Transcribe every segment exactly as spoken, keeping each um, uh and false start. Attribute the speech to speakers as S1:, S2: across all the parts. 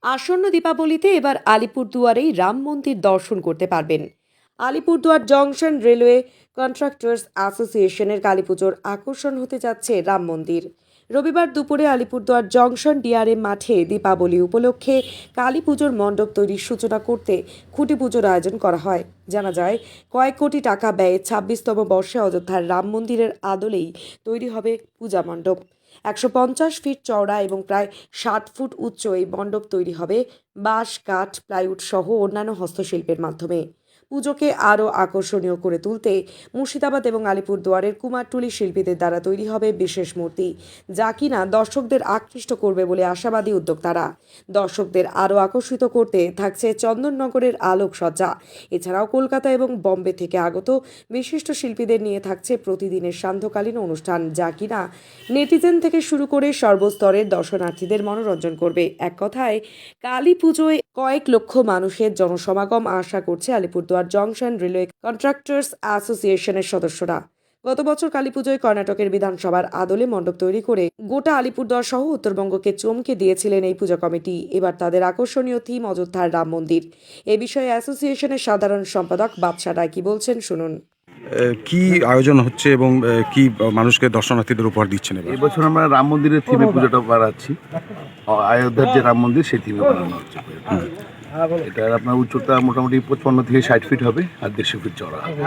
S1: আসন্ন দীপাবলিতে এবার আলিপুরদুয়ারেই রাম মন্দির দর্শন করতে পারবেন। আলিপুরদুয়ার জংশন রেলওয়ে কন্ট্রাক্টর্স অ্যাসোসিয়েশনের কালীপুজোর আকর্ষণ হতে যাচ্ছে রাম মন্দির। রবিবার দুপুরে আলিপুরদুয়ার জংশন ডিআরএম মাঠে দীপাবলি উপলক্ষে কালী পুজোর মণ্ডপ তৈরির সূচনা করতে খুঁটি পুজোর আয়োজন করা হয়। জানা যায়, কয়েক কোটি টাকা ব্যয়ে ছাব্বিশতম বর্ষে অযোধ্যার রাম মন্দিরের আদলেই তৈরি হবে পূজা মণ্ডপ। একশো পঞ্চাশ ফিট চওড়া এবং প্রায় ষাট ফুট উচ্চ এই মণ্ডপ তৈরি হবে বাঁশ, কাঠ, প্লাইউড সহ অন্যান্য হস্তশিল্পের মাধ্যমে। পুজোকে আরও আকর্ষণীয় করে তুলতে মুর্শিদাবাদ এবং আলিপুরদুয়ারের কুমারটুলি শিল্পীদের দ্বারা তৈরি হবে বিশেষ মূর্তি, যা কিনা দর্শকদের আকৃষ্ট করবে বলে আশাবাদী উদ্যোক্তারা। দর্শকদের আরও আকর্ষিত করতে থাকছে চন্দননগরের আলোকসজ্জা। এছাড়াও কলকাতা এবং বম্বে থেকে আগত বিশিষ্ট শিল্পীদের নিয়ে থাকছে প্রতিদিনের সান্ধ্যকালীন অনুষ্ঠান, যা কিনা নেটিজেন থেকে শুরু করে সর্বস্তরের দর্শনার্থীদের মনোরঞ্জন করবে। এক কথায়, কালী পুজোয় কয়েক লক্ষ মানুষের জনসমাগম আশা করছে আলিপুরদুয়ার জংশন রেলওয়ে কন্ট্রাক্টর্স অ্যাসোসিয়েশনের সদস্যরা। গত বছর কালী পুজোয় কর্ণাটকের বিধানসভার আদলে মণ্ডপ তৈরি করে গোটা আলিপুরদুয়ার সহ উত্তরবঙ্গকে চমকে দিয়েছিলেন এই পূজা কমিটি। এবার তাদের আকর্ষণীয় থিম অযোধ্যার রাম মন্দির। এ বিষয়ে অ্যাসোসিয়েশনের সাধারণ সম্পাদক বাদশা রায় কি বলছেন শুনুন।
S2: কি আয়োজন হচ্ছে এবং কি মানুষকে দর্শনার্থীদের উপহার দিচ্ছেন?
S3: এবছর আমরা রাম মন্দিরের থিমে পুজোটা বানাচ্ছি। অযোধ্যার যে রাম মন্দির সেই থিমে বানানো হচ্ছে। এটার আপনার উচ্চতা মোটামুটি পঁচপান্ন থেকে ষাট ফিট হবে আর দেড়শো ফিট চড়া হবে।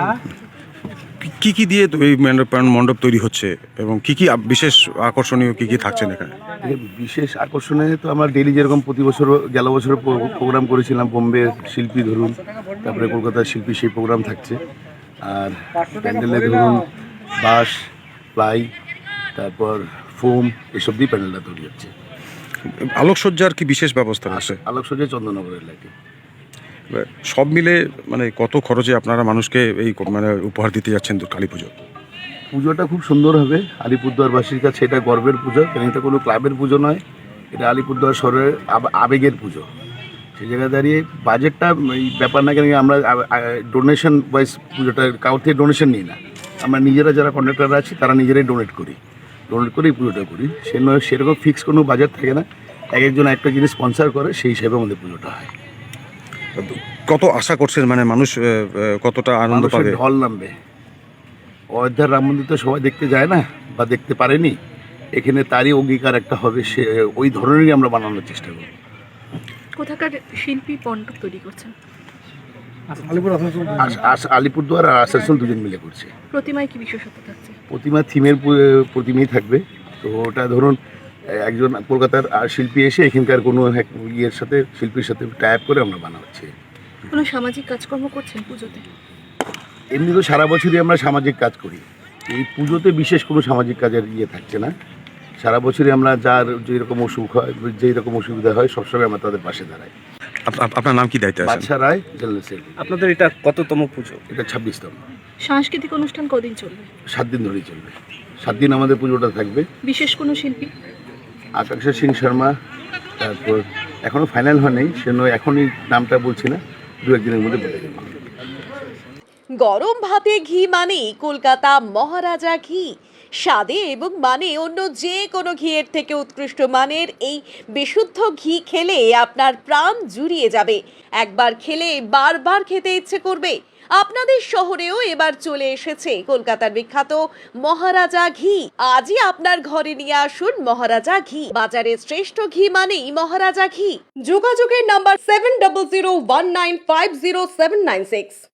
S2: কি কি দিয়ে এই মণ্ডপ তৈরি হচ্ছে এবং কি কি বিশেষ আকর্ষণীয় কি কি থাকছেন এখানে?
S3: বিশেষ আকর্ষণীয় তো আমরা ডেইলি যেরকম প্রতি বছর গেল বছর প্রোগ্রাম করেছিলাম, বোম্বের শিল্পী ধরুন, তারপরে কলকাতার শিল্পী, সেই প্রোগ্রাম থাকছে। আর প্যান্ডেলে ধরুন বাঁশ, প্লাই, তারপর ফোম, এসব দিয়ে প্যান্ডেলটা তৈরি হচ্ছে।
S2: আলোকসজ্জার কি বিশেষ ব্যবস্থা আছে?
S3: আলোকসজ্জা চন্দননগরের লাগে।
S2: সব মিলে মানে কত খরচে আপনারা মানুষকে এই মানে উপহার দিতে যাচ্ছেন কালী পুজো?
S3: পুজোটা খুব সুন্দর হবে। আলিপুরদুয়ারবাসীর কাছে এটা গর্বের পুজো, কারণ এটা কোনো ক্লাবের পুজো নয়, এটা আলিপুরদুয়ার শহরের আবেগের পুজো। সেই জায়গায় দাঁড়িয়ে বাজেটটা এই ব্যাপার না, কেন আমরা ডোনেশন ওয়াইজ পুজোটা কাউর থেকে ডোনেশন নিই না। আমরা নিজেরা যারা কন্ট্রাক্টররা আছি তারা নিজেরাই ডোনেট করি, ডোনেট করেই পুজোটা করি। সে নয় সেরকম ফিক্স কোনো বাজেট থাকে না, এক একজন একটা জিনিস স্পন্সার করে, সেই হিসেবে আমাদের পুজোটা হয়।
S2: কত আশা করছেন, মানে মানুষ কতটা আনন্দ পাবে?
S3: ঢল নামবে। অযোধ্যার রাম মন্দির তো সবাই দেখতে যায় না বা দেখতে পারেনি, এখানে তারই অঙ্গীকার একটা হবে, সে ওই ধরনেরই আমরা বানানোর চেষ্টা করব।
S4: কোথাকার শিল্পী মণ্ডপ তৈরি করছেন?
S3: আলিপুরদুয়ার আর আসানসোল দুজন মিলে করছে।
S4: প্রতিমায় কি বিশেষত্ব থাকছে?
S3: প্রতিমা থিমের প্রতিমাই থাকবে। তো ওটা ধরুন একজন কলকাতার শিল্পী এসে এখানকার কোনো ইয়ের সাথে, শিল্পীর সাথে টাইপ করে আমরা বানাচ্ছি।
S4: কোনো সামাজিক কাজকর্ম করছেন পুজোতে?
S3: এমনি তো সারা বছরই আমরা সামাজিক কাজ করি, এই পুজোতে বিশেষ কোনো সামাজিক কাজের ইয়ে থাকছে না। সারা বছরই আমরা যার যেরকম অসুখ হয়, যেই রকম অসুবিধা হয়, সবসময় আমরা তাদের পাশে দাঁড়াই।
S2: আপনার নাম কি, দায়িত্ব?
S3: Badsha Roy, general secretary.
S5: আপনাদের এটা কততম পুজো?
S3: এটা ছাব্বিশতম।
S4: সাংস্কৃতিক অনুষ্ঠান কদিন চলবে?
S3: সাত দিন ধরেই চলবে। সাত দিন আমাদের পুজোটা থাকবে।
S4: বিশেষ কোনো শিল্পী?
S3: আকাঙ্ক্ষা সিং শর্মা, তারপর এখনো ফাইনাল হয়নি, সে নয় এখনই নামটা বলছি না, দু একদিনের মধ্যে বলে দেবো।
S1: গরম ভাতে ঘি মানেই কলকাতা মহারাজা ঘি। স্বাদে এবং মানে অন্য যে কোনো ঘিয়ের থেকে উৎকৃষ্ট মানের এই বিশুদ্ধ ঘি খেলে আপনার প্রাণ জুড়িয়ে যাবে। একবার খেলে বারবার খেতে ইচ্ছে করবে। আপনাদের শহরেও এবার চলে এসেছে কলকাতার বিখ্যাত মহারাজা ঘি। আজই আপনার ঘরে নিয়ে আসুন মহারাজা ঘি। বাজারের শ্রেষ্ঠ ঘি মানেই মহারাজা ঘি। যোগাযোগের number seven double zero one nine five zero seven nine six.